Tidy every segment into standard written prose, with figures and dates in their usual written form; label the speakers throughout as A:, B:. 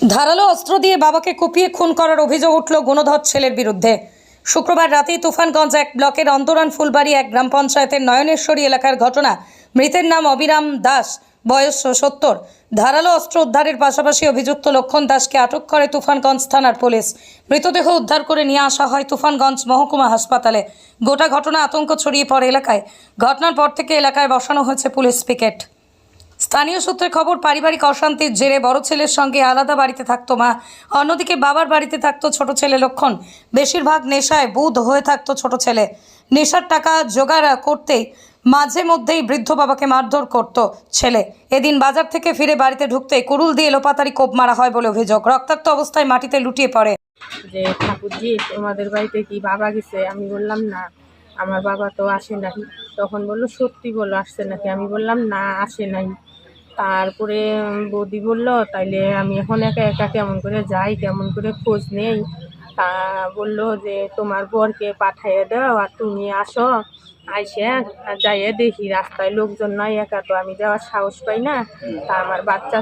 A: ধারালো অস্ত্র দিয়ে বাবাকে কুপিয়ে খুন করার অভিযোগ উঠল গুণধর ছেলের বিরুদ্ধে। শুক্রবার রাতেই তুফানগঞ্জ এক ব্লকের অন্তরান ফুলবাড়ি এক গ্রাম পঞ্চায়েতের নয়নেশ্বরী এলাকার ঘটনা। মৃতের নাম অবিরাম দাস, বয়স 70। ধারালো অস্ত্র উদ্ধারের পাশাপাশি অভিযুক্ত লক্ষণ দাসকে আটক করে তুফানগঞ্জ থানার পুলিশ। মৃতদেহ উদ্ধার করে নিয়ে আসা হয় তুফানগঞ্জ মহকুমা হাসপাতালে। গোটা ঘটনা আতঙ্ক ছড়িয়ে পড়ে এলাকায়। ঘটনার পর থেকে এলাকায় বসানো হয়েছে পুলিশ পিকেট। স্থানীয় সূত্রে খবর, পারিবারিক অশান্তির জেরে বড় ছেলের সঙ্গে আলাদা বাড়িতে থাকতো মা, অন্যদিকে বাবার বাড়িতে থাকতো ছোট ছেলে লক্ষণ। বেশিরভাগ নেশায় বুঁদ হয়ে থাকতো ছোট ছেলে। নেশার টাকা জোগাড় করতেই মাঝে মধ্যেই বৃদ্ধ বাবাকে মারধর করত ছেলে। এদিন বাজার থেকে ফিরে বাড়িতে ঢুকতে কুড়ুল দিয়ে লোপাতারি কোপ মারা হয় বলে অভিযোগ। রক্তাক্ত অবস্থায় মাটিতে লুটিয়ে পড়ে।
B: যে ঠাকুরজি তোমাদের বাড়িতে কি বাবা গেছে? আমি বললাম না, আমার বাবা তো আসে নাই। তখন বললো সত্যি বলো আসছে নাকি? আমি বললাম না, আসে নাই। তারপরে বৌদি বলল তাইলে আমি এখন একা একা কেমন করে যাই, কেমন করে খোঁজ নেই। তা বললো যে তোমার বরকে পাঠাইয়ে দাও আর তুমি আসো। আইসে যাইয়ে দেখি রাস্তায় লোকজন নয়, একা তো আমি যাওয়ার সাহস পাই না। তা আমার বাচ্চা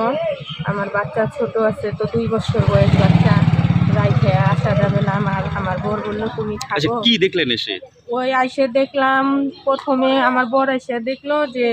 B: ছোট আছে, তো 2 বছর বয়স বাচ্চা, রাইখে আসা যাবে না। আমার বর বললো তুমি
C: আচ্ছা,
B: থাকো।
C: কি দেখলেন এসে?
B: ওই আইসে দেখলাম, প্রথমে আমার বর এসে দেখলো যে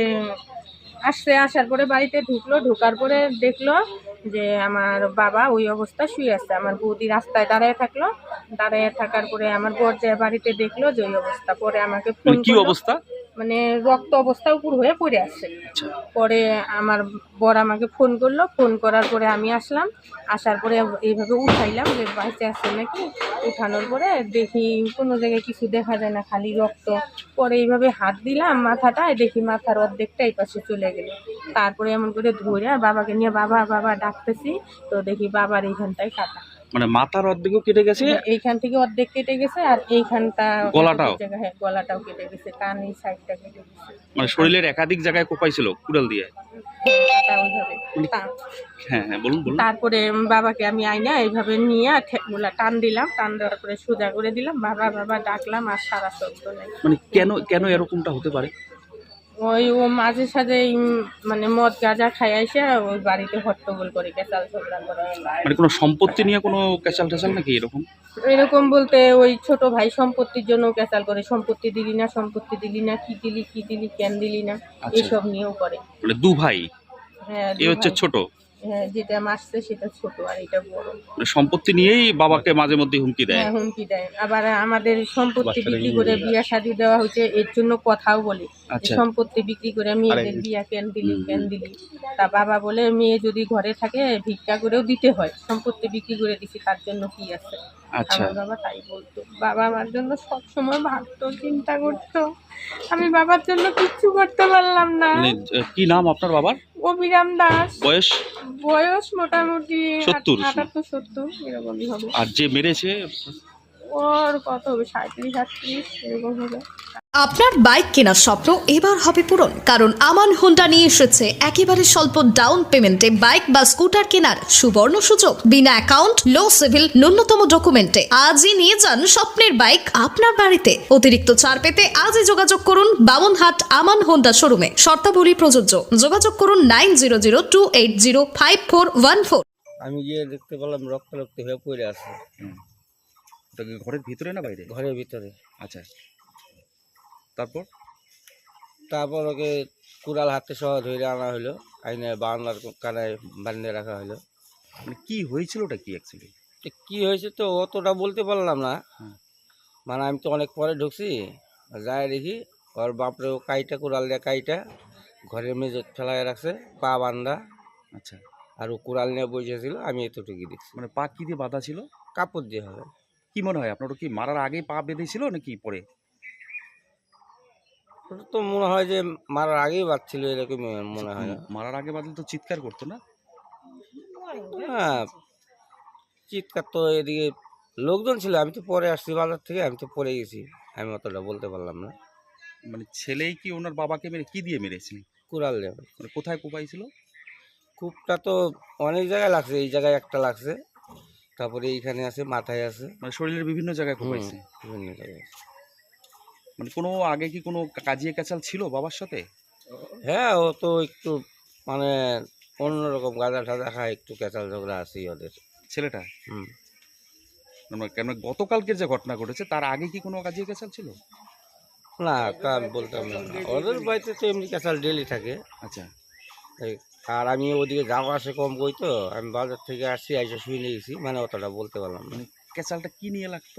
B: আসার পরে বাড়িতে ঢোকার পরে দেখলো যে আমার বাবা ওই অবস্থা শুয়ে আছে। আমার বৌদি রাস্তায় দাঁড়ায় থাকলো, দাঁড়ায় থাকার পরে আমার বর যে বাড়িতে দেখলো যে ওই অবস্থা, পরে আমাকে ফোন
C: কি
B: করলো।
C: অবস্থা?
B: মানে রক্ত অবস্থা উপর হয়ে পড়ে আসছে।
C: আচ্ছা,
B: পরে আমার বর আমাকে ফোন করলো, ফোন করার পরে আমি আসলাম। আসার পরে এইভাবে উঠাইলাম যে বাঁচে আছে নাকি। উঠানোর পরে দেখি কোনো জায়গায় কিছু দেখা যায় না, খালি রক্ত। পরে এইভাবে হাত দিলাম মাথাটায়, দেখি মাথার অর্ধেকটা এই পাশে চলে গেল। তারপরে এমন করে ধরে বাবাকে নিয়ে বাবা বাবা ডাকতেছি, তো দেখি বাবার এইখানটায় কাটা।
C: মানে মাথার অর্ধেকও কেটে গেছে,
B: এইখান থেকে অর্ধেক কেটে গেছে, আর এইখানটা
C: গলাটাও?
B: জায়গা, হ্যাঁ গলাটাও কেটে গেছে, কান এই সাইডটা কেটে গেছে।
C: মানে শরীরের একাধিক জায়গায় কোপাইছিল কুড়াল দিয়ে?
B: কাটা ওইভাবে।
C: হ্যাঁ হ্যাঁ, বলুন বলুন।
B: তারপরে বাবাকে আমি আইনা এইভাবে নিয়ে ঠেকগুলা টান দিলাম, টান দেওয়ার পরে সোজা করে দিলাম, বাবা বাবা ডাকলাম, আর সারা শব্দ নেই।
C: মানে কেন এরকমটা হতে পারে?
B: ওই ও মাঝে সাঝে মানে মদ গাঁজা খাই আইসে ওই বাড়িতে হট্টগোল করে, কেচাল ঝগড়া করে।
C: মানে কোনো সম্পত্তি নিয়ে কোনো ক্যাচাল ট্যাচাল নাকি এরকম?
B: এরকম বলতে ওই ছোট ভাই সম্পত্তির জন্য কেচাল করে, সম্পত্তি দিলি না, সম্পত্তি দিলি না, কি দিলি কেন দিলি না,
C: আচ্ছা।
B: এইসব নিয়েও করে।
C: মানে দু ভাই?
B: হ্যাঁ,
C: এ হচ্ছে
B: ভাই।
C: ছোট?
B: হ্যাঁ, যেটা মারছে সেটা ছোট আর এটা বড়।
C: মানে সম্পত্তি নিয়েই বাবাকে মাঝে মধ্যে হুমকি দেয়?
B: হ্যাঁ, হুমকি দেয়। আবার আমাদের সম্পত্তি বিক্রি করে বিয়া শাদী দেওয়া হয়েছে, এর জন্য কথাও বলে যে
C: আচ্ছা।
B: সম্পত্তি বিক্রি করে মেয়েদের বিয়া কেন দিলি। তা বাবা বলে মেয়ে যদি ঘরে থাকে ভিক্ষা করেও দিতে হয়, সম্পত্তি বিক্রি করে দিছি তার জন্য কি আছে।
C: আচ্ছা।
B: আমার বাবা তাই বলতো। বাবা আমার জন্য সবসময় ভাবতো, চিন্তা করতো। আমি বাবার জন্য কিচ্ছু করতে পারলাম না।
C: মানে কি নাম আপনার বাবার?
B: অবিরাম দাস।
C: বয়স?
B: বয়স মোটামুটি
C: 70?
B: 78-70 এরকমই হবে।
C: আর যে মেরেছে?
B: ওর কত হবে, 37-38 এরকম হবে।
D: আপনার বাইক কেনার স্বপ্ন এবার হবে পূরণ, কারণ আমান হোন্ডা নিয়ে এসেছে একেবারে স্বল্প ডাউন পেমেন্টে বাইক বা স্কুটার কেনার সুবর্ণ সুযোগ। বিনা অ্যাকাউন্ট, লো সিভিল, ন্যূনতম ডকুমেন্টে আজই নিয়ে যান স্বপ্নের বাইক আপনার বাড়িতে। অতিরিক্ত ছাড় পেতে আজই যোগাযোগ করুন বামনহাট আমান হোন্ডা শোরুমে। শর্তাবলী প্রযোজ্য। যোগাযোগ করুন 9002805414।
E: আমি গিয়ে দেখতে পেলাম রক্তারক্ত হয়ে পড়ে আছে
C: ওটা কি ঘরের ভিতরে না বাইরে?
E: ঘরের ভিতরে।
C: আচ্ছা, তারপর?
E: তারপর ওকে কুড়াল হাতে সহ ধরে আনা হলো, আইনে বারান্দার কানায় বানিয়ে রাখা হলো।
C: মানে কি হয়েছিল, ওটা কি অ্যাকচুয়ালি?
E: তো কী হয়েছে তো অতটা বলতে পারলাম না।
C: হুম।
E: মানে আমি তো অনেক পরে ঢুকছি, যাই দেখি ওর বাপরে ও কাইটা কুড়াল দিয়ে কাইটা ঘরের মেঝে ফেলায় রাখছে, পা বান্ধা।
C: আচ্ছা,
E: আর ও কুড়াল নিয়ে বসেছিল, আমি এতটুকু দেখছি।
C: মানে পা কি দিয়ে বাঁধা ছিল?
E: কাপড় দিয়ে হবে।
C: কি মনে হয় আপনার, কি মারার আগে পা বেঁধেছিল নাকি পরে?
E: ওটা তো মনে হয় যে মারার আগেই বাচ্ছিল, এরকম মনে হয় না।
C: মারার আগে বাঁধলে তো চিৎকার করতো না?
E: হ্যাঁ, চিৎকার তো এদিকে লোকজন ছিল, আমি তো পরে আসছি বাজার থেকে, আমি তো পরে গেছি, আমি অতটা বলতে পারলাম না।
C: মানে ছেলেই কি ওনার বাবাকে মেরে কি দিয়ে মেরেছে?
E: কুড়াল দেবে।
C: মানে কোথায় কোপাইছিল?
E: কূপটা তো অনেক জায়গায় লাগছে, এই জায়গায় একটা লাগছে, তারপরে এইখানে আছে, মাথায় আছে।
C: মানে শরীরের বিভিন্ন জায়গায় কোপাইছে?
E: বিভিন্ন জায়গায় আছে।
C: মানে কোনো আগে কি কোনো কাজিয়ে কাচাল ছিল বাবার সাথে?
E: হ্যাঁ, ও তো একটু মানে অন্যরকম গাঁজা টাজা খায়, একটু ক্যাচাল ঝগড়া আছেই ওদের।
C: ছেলেটা
E: হুম।
C: কেন গতকালকের যে ঘটনা ঘটেছে তার আগে কি কোনো কাজে গেছাল ছিল?
E: না, তা আমি বলতাম না। ওদের বাড়িতে তো এমনি ক্যাচাল ডেলি থাকে।
C: আচ্ছা,
E: এই, আর আমি ওদিকে যাওয়া আসে কম কই, তো আমি বাজার থেকে আসছি, আইসা শুয়ে নিয়েছি, মানে অতটা বলতে পারলাম না।
C: মানে ক্যাচালটা কি নিয়ে লাগতো?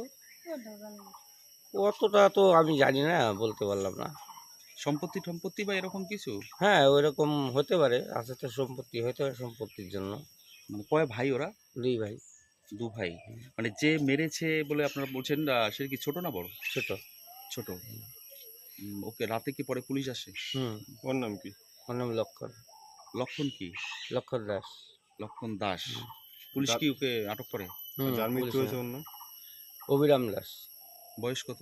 E: অতটা তো আমি জানি না, বলতে পারলাম না।
C: সম্পত্তি টম্পত্তি বা এরকম কিছু?
E: হ্যাঁ, ওইরকম হতে পারে, আছে তো সম্পত্তি, হতে পারে সম্পত্তির জন্য।
C: মানে কয় ভাই ওরা?
E: 2 ভাই।
C: দু ভাই। মানে যে মেরেছে বলে আপনারা বলছেন, সে কি ছোট না বড়?
E: ছোট।
C: ছোট। ওকে, রাতে কি পরে পুলিশ আসে?
E: হুম।
C: ওর নাম কি?
E: ওর নাম লক্ষণ।
C: লক্ষণ কি?
E: লক্ষণ দাস।
C: লক্ষণ দাস। পুলিশ কি ওকে আটক করে?
E: হুম,
F: যার মৃত্যু
E: পুলিশে।
F: হয়েছে ওর নাম?
E: অবিরাম দাস।
C: বয়স কত?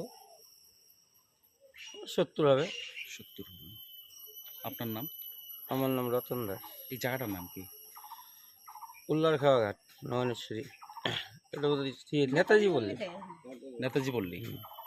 E: 70 হবে।
C: 70। আপনার নাম?
E: আমার নাম রতন দাস।
C: এই জায়গাটার নাম কি?
E: উল্লার খাওয়া ঘাট, নয়নেশ্বরী। এটা বোধহয় নেতাজি বললি।
C: নেতাজি বললি।